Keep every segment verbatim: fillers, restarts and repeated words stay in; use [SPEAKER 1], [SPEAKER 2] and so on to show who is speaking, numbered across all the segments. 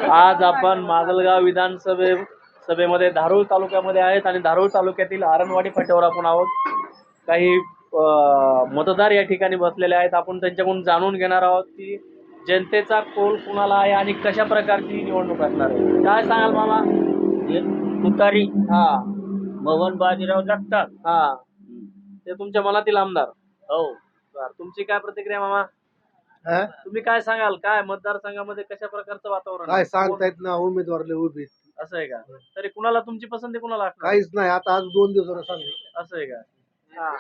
[SPEAKER 1] आज आपण माजलगाव विधानसभे सभेमध्ये धारूर तालुक्यामध्ये आहेत आणि धारूर तालुक्यातील आरणवाडी फाट्यावर आपण आहोत. काही मतदार या ठिकाणी बसलेले आहेत. आपण त्यांच्याकडून जाणून घेणार आहोत की जनतेचा कौल कुणाला आहे आणि कशा प्रकारची निवडणूक असणार आहे. काय सांगाल मामा?
[SPEAKER 2] तुतारी.
[SPEAKER 1] हा.
[SPEAKER 2] मोहन बाजीराव जगताप.
[SPEAKER 1] हा, ते तुमच्या मनातील आमदार.
[SPEAKER 2] हो.
[SPEAKER 1] बर, तुमची काय प्रतिक्रिया मामा? तुम्ही काय सांगाल? काय मतदारसंघामध्ये कशा प्रकारचं वातावरण
[SPEAKER 3] काय सांगता येत ना, उमेदवार लय उभे.
[SPEAKER 1] असं आहे का? तरी कुणाला तुमची पसंती कुणाला असणार?
[SPEAKER 3] काहीच नाही, आता आज दोन दिवस सांग.
[SPEAKER 1] असं आहे का? हा.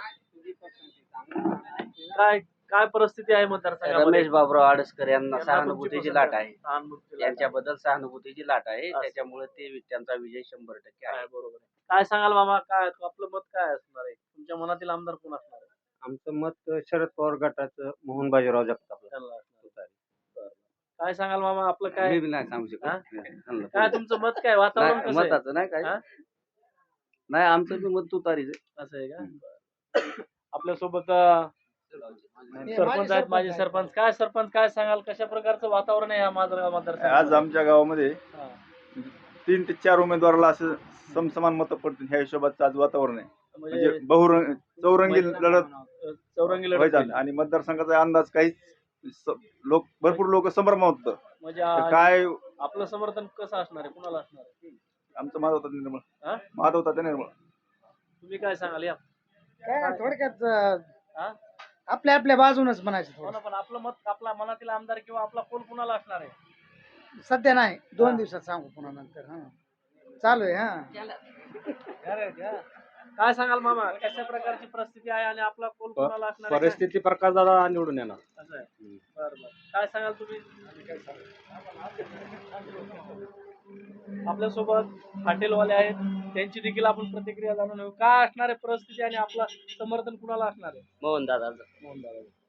[SPEAKER 1] काय काय परिस्थिती आहे मतदारसंघामध्ये?
[SPEAKER 2] रमेश बाबराव आडसकर यांना
[SPEAKER 1] यांना
[SPEAKER 2] सहानुभूतीची
[SPEAKER 1] तुमची
[SPEAKER 2] लाट
[SPEAKER 1] पसंती
[SPEAKER 2] आहे.
[SPEAKER 1] सहानुभूतीची लाट आहे.
[SPEAKER 2] यांच्याबद्दल सहानुभूतीची लाट आहे,
[SPEAKER 1] असं.
[SPEAKER 2] त्याच्यामुळे ते त्यांचा विजय शंभर टक्के आहे.
[SPEAKER 1] आहे, बरोबर आहे. काय सांगाल मामा? काय आपलं मत काय असणार आहे? तुमच्या मनातील आमदार कोण असणार आहे?
[SPEAKER 4] आमचं मत शरद पवार गटाचं मोहन बाजीराव जगताप.
[SPEAKER 1] त्यांना असणार आहे. बरं. काय सांगाल मामा? आपलं काय
[SPEAKER 2] मी बी नाही सांगू
[SPEAKER 1] हा?
[SPEAKER 2] शकत.
[SPEAKER 1] काय तुमचं मत काय? वातावरण
[SPEAKER 2] नाही,
[SPEAKER 1] कसं आहे?
[SPEAKER 2] मताचं नाही काय.
[SPEAKER 1] हा?
[SPEAKER 2] नाही, आमचं बी मत तुतारीच आहे.
[SPEAKER 1] असं आहे का? आपल्यासोबत अं, सरपंच आहेत, माजी सरपंच. काय सरपंच काय सांगाल? कशा प्रकारचं वातावरण आहे या माजलगाव
[SPEAKER 5] आज
[SPEAKER 1] मतदारसंघात?
[SPEAKER 5] आमच्या गावामध्ये
[SPEAKER 1] हा.
[SPEAKER 5] तीन ते चार उमेदवाराला असं समसमान मतं पडतील ह्या हिशोबाचं आज वातावरण आहे. म्हणजे
[SPEAKER 1] म्हणजे
[SPEAKER 5] बहुरंग चौरंगी लढत
[SPEAKER 1] चौरंगी लढत
[SPEAKER 5] व्हायचा
[SPEAKER 1] होईल.
[SPEAKER 5] आणि मतदारसंघाचा अंदाज काही लोक भरपूर लोक संभ्रमात होतं.
[SPEAKER 1] म्हणजे
[SPEAKER 5] तर
[SPEAKER 1] आ-
[SPEAKER 5] काय
[SPEAKER 1] आपलं समर्थन कसं असणार आहे? कुणाला असणार आहे?
[SPEAKER 5] आमचं माधव होता निर्मळ
[SPEAKER 1] हा?
[SPEAKER 5] माधव होता निर्मळ.
[SPEAKER 1] तुम्ही काय सांगाल या?
[SPEAKER 3] काय थोडक्यात अं,
[SPEAKER 1] हा?
[SPEAKER 3] आपल्या आपल्या बाजूनच म्हणायचं
[SPEAKER 1] हो
[SPEAKER 3] थोडं.
[SPEAKER 1] ना, पण आपलं मत, आपला मनातील आमदार किंवा आपला कोल कुणाला असणार आहे?
[SPEAKER 3] सध्या नाही,
[SPEAKER 1] हा.
[SPEAKER 3] दोन दिवसात सांगू पुन्हा नंतर. हा, चालू आहे. हा,
[SPEAKER 1] काय सांगाल मामा? कशा प्रकारची परिस्थिती आहे आणि आपला कोल कुणाला असणार आहे?
[SPEAKER 4] परिस्थिती प्रकाश दादा निवडून येणार.
[SPEAKER 1] असं आहे. बरं बरं. काय सांगाल तुम्ही? आपल्यासोबत हॉटेलवाले आहेत, त्यांची देखील आपण प्रतिक्रिया जाणून घेऊ. काय असणार आहे परिस्थिती आणि आपला समर्थन कुणाला असणार आहे?
[SPEAKER 2] मोहन दादा.
[SPEAKER 1] मोहन दादा.